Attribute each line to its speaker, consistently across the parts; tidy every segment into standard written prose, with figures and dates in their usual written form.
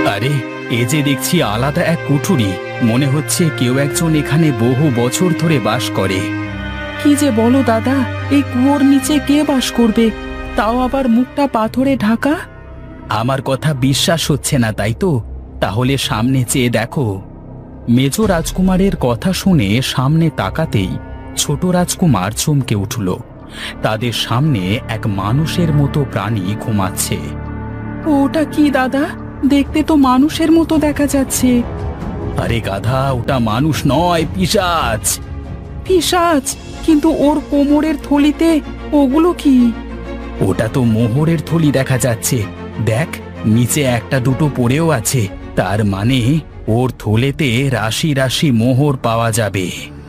Speaker 1: আরে, এ যে দেখছি আলাদা এক কুঠুরি। মনে হচ্ছে কেউ একজন এখানে বহু বছর ধরে বাস করে। কি যে বলো দাদা, এই কুয়োর নিচে কে বাস করবে, তাও আবার মুখটা পাথরে ঢাকা? আমার কথা বিশ্বাস হচ্ছে না, তাই তো? তাহলে সামনে চেয়ে দেখো। মেজ রাজকুমারের কথা শুনে সামনে তাকাতেই ছোট রাজকুমার চমকে উঠল। তাদের সামনে এক মানুষের মতো প্রাণী ঘুমাচ্ছে। ওটা কি দাদা? দেখতে তো মানুষের মতো দেখা যাচ্ছে। আরে গাধা, ওটা মানুষ নয়, পিশাচ। পিশাচ? কিন্তু ওর কোমরের থলিতে ওগুলো কি? ওটা তো মোহরের থলি দেখা যাচ্ছে। দেখ, নিচে একটা দুটো পড়েও আছে। তার মানে ওর থলেতে রাশি রাশি মোহর পাওয়া যাবে।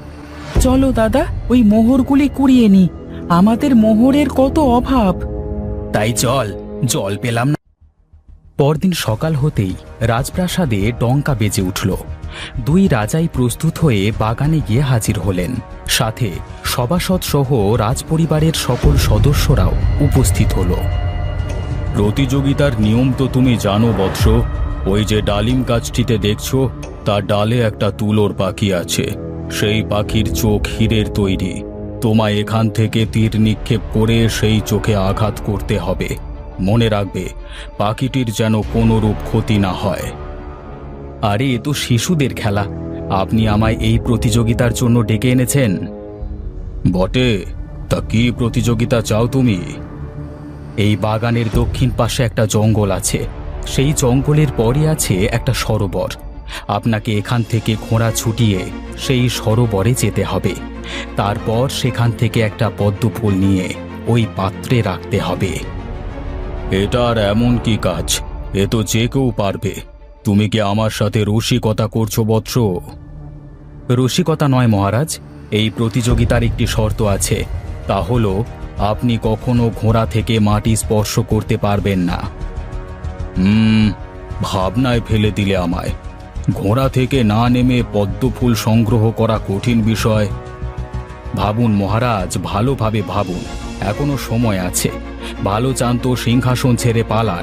Speaker 1: চলো দাদা, ওই মোহরগুলি কুড়িয়ে নি। আমাদের মোহরের কত অভাব। তাই চল, জল পেলাম না। পরদিন সকাল হতেই রাজপ্রাসাদে ডঙ্কা বেজে উঠল। দুই রাজাই প্রস্তুত হয়ে বাগানে গিয়ে হাজির হলেন। সাথে সভাসদ সহ রাজপরিবারের সকল সদস্যরাও উপস্থিত হল। প্রতিযোগিতার নিয়ম তো তুমি জানো বৎস। ওই যে ডালিম গাছটিতে দেখছো, তার ডালে একটা তুলোর পাখি আছে। সেই পাখির চোখ হীরের তৈরি। তোমায় এখান থেকে তীর নিক্ষেপ করে সেই চোখে আঘাত করতে হবে। মনে রাখবে, পাখিটির যেন কোনরূপ ক্ষতি না হয়। আরে, এ তো শিশুদের খেলা। আপনি আমায় এই প্রতিযোগিতার জন্য ডেকে এনেছেন? বটে, তা কি প্রতিযোগিতা চাও তুমি? এই বাগানের দক্ষিণ পাশে একটা জঙ্গল আছে। সেই জঙ্গলের পরই আছে একটা সরোবর। আপনাকে এখান থেকে ঘোড়া ছুটিয়ে সেই সরোবরে যেতে হবে। তারপর সেখান থেকে একটা পদ্ম ফুল নিয়ে ওই পাত্রে রাখতে হবে। এটা আর এমন কি কাজ? এ তো যে কেউ পারবে। তুমি কি আমার সাথে রসিকতা করছো বৎস? রসিকতা নয় মহারাজ, এই প্রতিযোগিতার একটি শর্ত আছে। তা হলো, আপনি কখনো ঘোড়া থেকে মাটি স্পর্শ করতে পারবেন না। ভাবনায় ফেলে দিলে আমায়। ঘোড়া থেকে না নেমে পদ্মফুল সংগ্রহ করা কঠিন বিষয়। ভাবুন মহারাজ, ভালোভাবে ভাবুন। এখনো সময় আছে। ভালো চান তো সিংহাসন ছেড়ে পালান।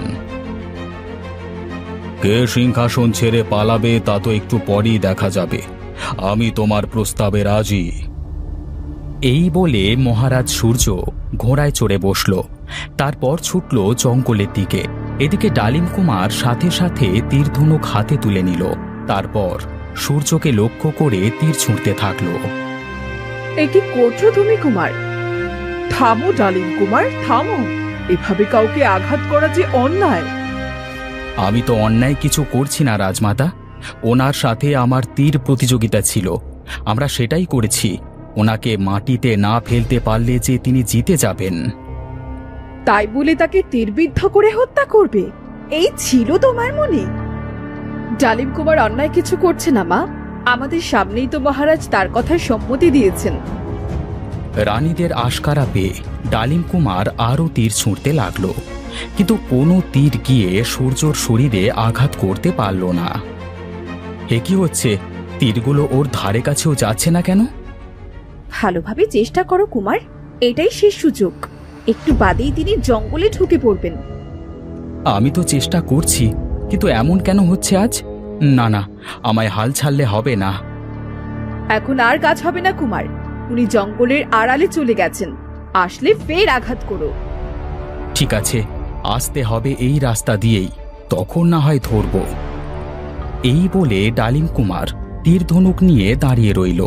Speaker 1: কে সিংহাসন ছেড়ে পালাবে তা তো একটু পরেই দেখা যাবে। আমি তোমার প্রস্তাবে রাজি। এই বলে মহারাজ সূর্য ঘোড়ায় চড়ে বসল। তারপর ছুটল জঙ্গলের দিকে। এদিকে ডালিম কুমার সাথে সাথে তীর ধনুক হাতে তুলে নিল। তারপর সূর্যকে লক্ষ্য করে তীর ছুঁড়তে থাকল।
Speaker 2: এটি করছো তুমি কুমার? থামো ডালিম কুমার, থামো। এভাবে কাউকে আঘাত করা যে অন্যায়।
Speaker 1: আমি তো অন্যায় কিছু করছি না রাজমাতা। ওনার সাথে আমার তীর প্রতিযোগিতা ছিল, আমরা সেটাই করেছি। ওনাকে মাটিতে না ফেলতে পারলে যে তিনি জিতে যাবেন।
Speaker 2: তাই বলে তাকে তীরবিদ্ধ করে হত্যা করবে, এই ছিল তোমার মনে? ডালিম কুমার অন্যায় কিছু করছে না মা। আমাদের সামনেই তো মহারাজ তার কথায় সম্মতি দিয়েছেন।
Speaker 1: রানীদের আশকারা পেয়ে ডালিম কুমার আরও তীর ছুঁড়তে লাগলো, কিন্তু কোনো তীর গিয়ে সূর্যর শরীরে আঘাত করতে পারল না। এ কি হচ্ছে? তীরগুলো ওর ধারে কাছেও যাচ্ছে না কেন?
Speaker 2: ভালোভাবে চেষ্টা করো কুমার, এটাই শেষ সুযোগ। একটু বাদেই তিনি জঙ্গলে ঢুকে পড়বেন।
Speaker 1: আমি তো চেষ্টা করছি, কিন্তু এমন কেন হচ্ছে আজ? না না, আমায় হাল ছাড়লে হবে না।
Speaker 2: এখন আর কাজ হবে না কুমার। উনি জঙ্গলের আড়ালে চলে গেছেন, আসলে ফের আঘাত করো।
Speaker 1: ঠিক আছে, আসতে হবে এই রাস্তা দিয়েই, তখন না হয় ধরব। এই বলে ডালিম কুমার তীর ধনুক নিয়ে দাঁড়িয়ে রইল।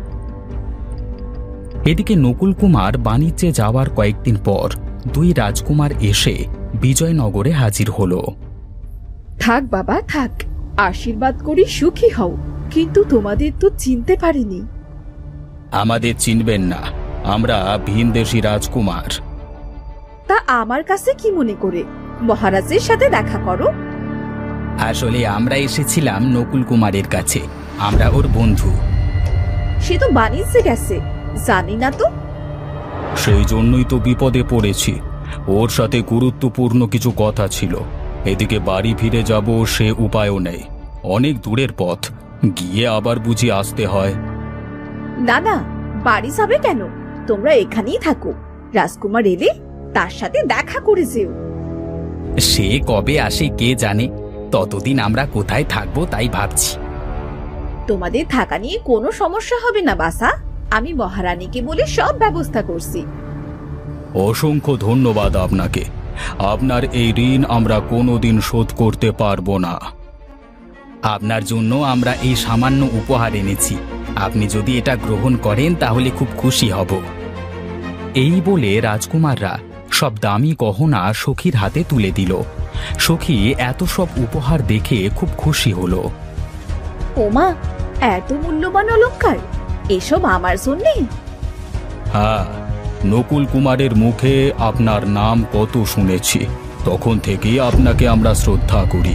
Speaker 1: এদিকে নকুল কুমার বাণিজ্যে যাওয়ার কয়েকদিন পর দুই রাজকুমার এসে বিজয়নগরে হাজির হল।
Speaker 2: থাক বাবা থাক, আশীর্বাদ করি সুখী হও। কিন্তু তোমাদের তো চিনতে পারিনি।
Speaker 1: আমাদের চিনবেন না, আমরা ভিনদেশী রাজকুমার।
Speaker 2: তা আমার কাছে কি মনে করে? মহারাজের সাথে দেখা করো।
Speaker 1: আসলে আমরা এসেছিলাম নকুল কুমারের কাছে, আমরা ওর বন্ধু।
Speaker 2: সে তো বাণিজ্যে গেছে, জানি না তো।
Speaker 1: সেই জন্যই তো বিপদে পড়েছি। ওর সাথে গুরুত্বপূর্ণ কিছু কথা ছিল। এদিকে বাড়ি ফিরে যাব সে উপায়ও নেই। অনেক দূরের পথ, গিয়ে আবার বুঝি আসতে হয়।
Speaker 2: না না, বাড়ি যাবে কেন? তোমরা এখানেই থাকো। রাজকুমার এলে তার সাথে দেখা করে যেও।
Speaker 1: সে কবে আসে কে জানে। ততদিন আমরা কোথায় থাকবো তাই ভাবছি।
Speaker 2: তোমাদের থাকা নিয়ে কোনো সমস্যা হবে না বাসা, আমি মহারানীকে বলে সব ব্যবস্থা করছি।
Speaker 1: অসংখ্য ধন্যবাদ আপনাকে। আপনার এই ঋণ আমরা কোনোদিন শোধ করতে পারবো না। আপনার জন্য আমরা এই সামান্য উপহার এনেছি, আপনি যদি এটা গ্রহণ করেন তাহলে খুব খুশি হব। এই বলে রাজকুমাররা সব দামি গহনা সখীর হাতে তুলে দিল। সখী এত সব উপহার দেখে খুব খুশি হলো।
Speaker 2: ওমা, এত মূল্যবান অলংকার, এসব আমার জন্যে?
Speaker 1: হ্যাঁ, নকুল কুমারের মুখে আপনার নাম কত শুনেছি, তখন থেকেই আপনাকে আমরা শ্রদ্ধা করি।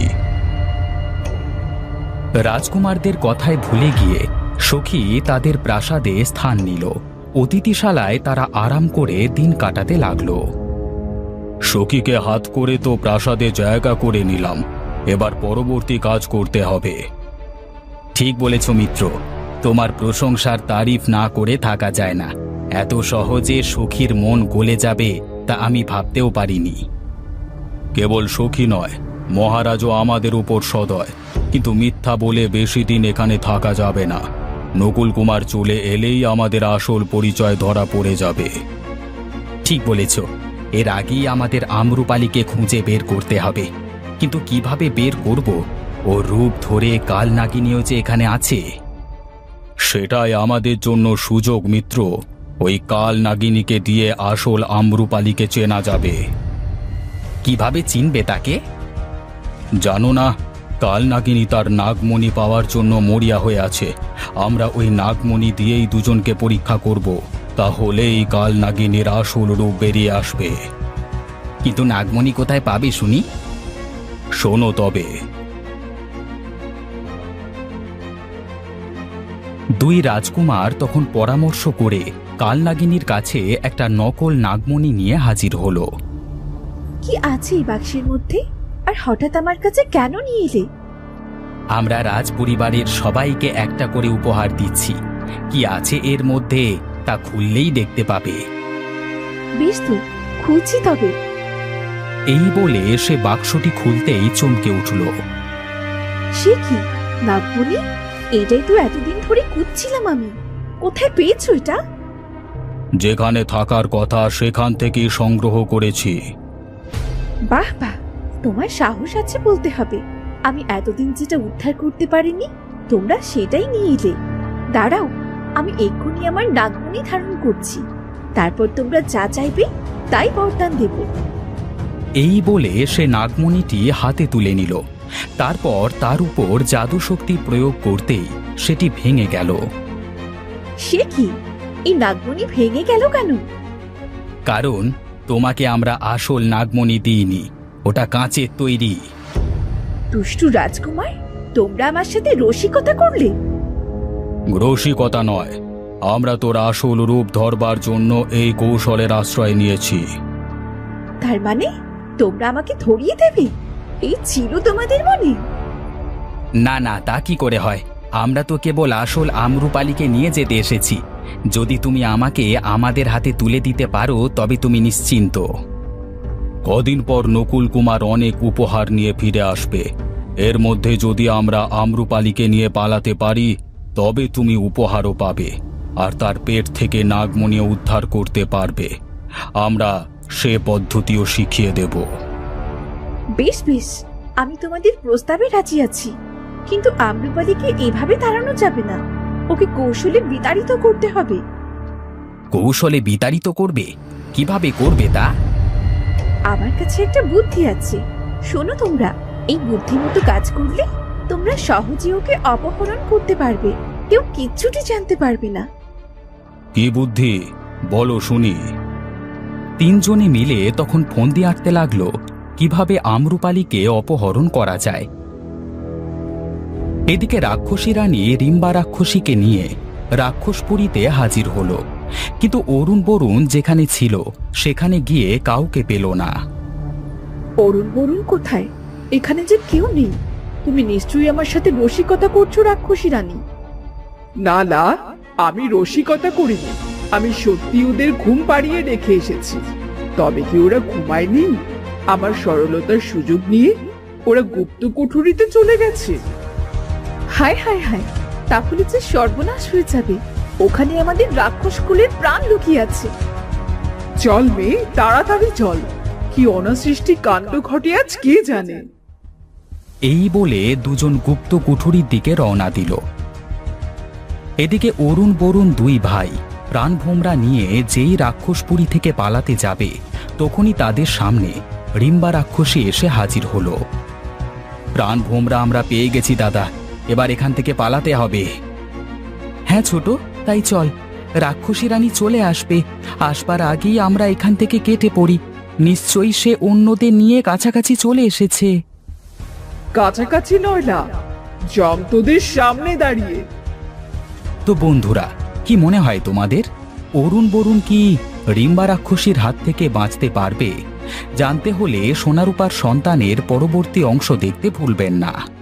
Speaker 1: রাজকুমারদের কথায় ভুলে গিয়ে সখী তাদের প্রাসাদে স্থান নিল। অতিথিশালায় তারা আরাম করে দিন কাটাতে লাগলো। সখীকে হাত করে তো প্রাসাদে জায়গা করে নিলাম, এবার পরবর্তী কাজ করতে হবে। ঠিক বলেছ মিত্র, তোমার প্রশংসার তারিফ না করে থাকা যায় না। এত সহজে সখীর মন গলে যাবে তা আমি ভাবতেও পারিনি। কেবল সখী নয়, মহারাজও আমাদের উপর সদয়, কিন্তু মিথ্যা বলে বেশি দিন এখানে থাকা যাবে না। নকুল কুমার চলে এলেই আমাদের আসল পরিচয় ধরা পড়ে যাবে। ঠিক বলেছ, এর আগেই আমাদের আম্রপালিকে খুঁজে বের করতে হবে, কিন্তু কিভাবে বের করব? ও রূপ ধরে কাল নাগিনীও যে এখানে আছে। সেটাই আমাদের জন্য সুযোগ মিত্র। ওই কাল নাগিনীকে দিয়ে আসল আম্রপালিকে চেনা যাবে। কিভাবে চিনবে তাকে? জানো না, কাল নাগিনী তার নাগমণি পাওয়ার জন্য মরিয়া হয়ে আছে। আমরা ওই নাগমণি দিয়েই দুজনকে পরীক্ষা করব, তাহলেই কাল নাগিনীর আসল রূপ বেরিয়ে আসবে। কিন্তু নাগমণি কোথায় পাবে শুনি? শোনো তবে। দুই রাজকুমার তখন পরামর্শ করে কালনাগিনীর কাছে একটা নকল নাগমণি নিয়ে হাজির হলো।
Speaker 2: কি আছে এই বাক্সের মধ্যে, আর হঠাৎ আমার কাছে কেন নিয়ে এলে?
Speaker 1: আমরা রাজ পরিবারের সবাইকে একটা করে উপহার দিচ্ছি। কি আছে এর মধ্যে তা খুললেই দেখতে পাবে।
Speaker 2: বেশ তো, খুঁজছি তবে।
Speaker 1: এই বলে সে বাক্সটি খুলতেই চমকে উঠল।
Speaker 2: সে কি, নাগমণি? এটাই তো এতদিন ধরে খুঁজছিলাম আমি। কোথায় পেয়েছো এটা?
Speaker 1: যেখানে থাকার কথা সেখান থেকেই সংগ্রহ করেছি।
Speaker 2: বাহ বাহ, তোমার সাহস আছে বলতে হবে। আমি এতদিন যেটা উদ্ধার করতে পারিনি, তোমরা সেটাই নিয়ে এলে। দাঁড়াও, আমি এক্ষুনি আমার নাগমণি ধারণ করছি, তারপর তোমরা যা চাইবে তাই বরদান দেব।
Speaker 1: এই বলে সে নাগমণিটি হাতে তুলে নিল। তারপর তার উপর জাদু শক্তি প্রয়োগ করতেই সেটি ভেঙে গেল।
Speaker 2: সে কি, এই নাগমণি ভেঙে গেল কেন?
Speaker 1: কারণ তোমাকে আমরা আসল নাগমণি দিইনি, ওটা কাঁচের তৈরি।
Speaker 2: দুষ্টু রাজকুমার, তোমরা আমার সাথে রসিকতা করলে।
Speaker 1: রসিকতা নয়, আমরা তোর আসল রূপ ধরবার জন্য এই কৌশলের আশ্রয় নিয়েছি।
Speaker 2: তার মানে তোমরা আমাকে ধরিয়ে দেবে? এই ছিল তোমাদের মনে?
Speaker 1: না না, তা কি করে হয়? আমরা তো কেবল আসল আম্রপালিকে নিয়ে যেতে এসেছি। যদি তুমি আমাকে আমাদের হাতে তুলে দিতে পারো তবে তুমি নিশ্চিন্ত। কদিন পর নকুল কুমার অনেক উপহার নিয়ে ফিরে আসবে। এর মধ্যে যদি আমরা আম্রপালিকে নিয়ে পালাতে পারি তবে তুমি উপহারও পাবে, আর তার পেট থেকে নাগমণিও উদ্ধার করতে পারবে। আমরা সে পদ্ধতিও শিখিয়ে দেব।
Speaker 2: বেশ বেশ, আমি তোমাদের প্রস্তাবে রাজি আছি, কিন্তু আম্রপালিকে এভাবে তাড়ানো যাবে না। ওকে কৌশলে বিতাড়িত করতে হবে।
Speaker 1: কৌশলে বিতাড়িত করবে? কিভাবে করবে তা?
Speaker 2: আমার কাছে একটা বুদ্ধি আছে, শোনো তোমরা। এই বুদ্ধিমতো কাজ করলে তোমরা সহজে ওকে অপহরণ করতে পারবে, কেউ কিচ্ছুটি জানতে পারবে না।
Speaker 1: কি বুদ্ধি বলো শুনি। তিনজনে মিলে তখন ফন্দি আঁটতে লাগলো কিভাবে আম্রপালিকে অপহরণ করা যায়। এদিকে রাক্ষসী রানী রিম্বা রাক্ষসীকে নিয়ে রাক্ষসপুরীতে হাজির হলো, কিন্তু অরুণ বরুণ যেখানে ছিল সেখানে গিয়ে কাউকে পেল না।
Speaker 2: অরুণ বরুণ কোথায়? এখানে যে কেউ নেই। তুমি নিশ্চয়ই আমার সাথে রসিকতা করছো রাক্ষসী রানী।
Speaker 3: না না, আমি রসিকতা করিনি। আমি সত্যি ওদের ঘুম পাড়িয়ে রেখে এসেছি। তবে কি ওরা ঘুমায়নি? আমার সরলতার সুযোগ নিয়ে ওরা গুপ্ত কুঠুরিতে চলে গেছে।
Speaker 2: হায় হায় হায়, তাহলে যে সর্বনাশ হয়ে যাবে। ওখানে আমাদের রাক্ষস কুলের প্রাণ লুকিয়ে আছে।
Speaker 3: চল মেয়ে, তাড়াতাড়ি চল। কি অনাসৃষ্টি কাণ্ড ঘটে আজ কে জানে।
Speaker 1: এই বলে দুজন গুপ্ত কুঠুরির দিকে রওনা দিল। এদিকে অরুণ বরুণ দুই ভাই প্রাণভোমরা নিয়ে যেই রাক্ষসপুরী থেকে পালাতে যাবে তখনই তাদের সামনে রিম্বা রাক্ষসী এসে হাজির হলো। প্রাণভোমরা আমরা পেয়ে গেছি দাদা, এবার এখান থেকে পালাতে হবে। হ্যাঁ ছোট, তাই চল। রাক্ষসী রানী চলে আসবে, আসবার আগেই আমরা এখান থেকে কেটে পড়ি। নিশ্চয়ই সে অন্যদের নিয়ে কাছাকাছি চলে এসেছে।
Speaker 3: কাছাকাছি নয় না, জম তোদের সামনে দাঁড়িয়ে।
Speaker 1: তো বন্ধুরা, কি মনে হয় তোমাদের, অরুণ বরুণ কি রিম্বা রাক্ষসীর হাত থেকে বাঁচতে পারবে? জানতে হলে সোনারূপার সন্তানের পরবর্তী অংশ দেখতে ভুলবেন না।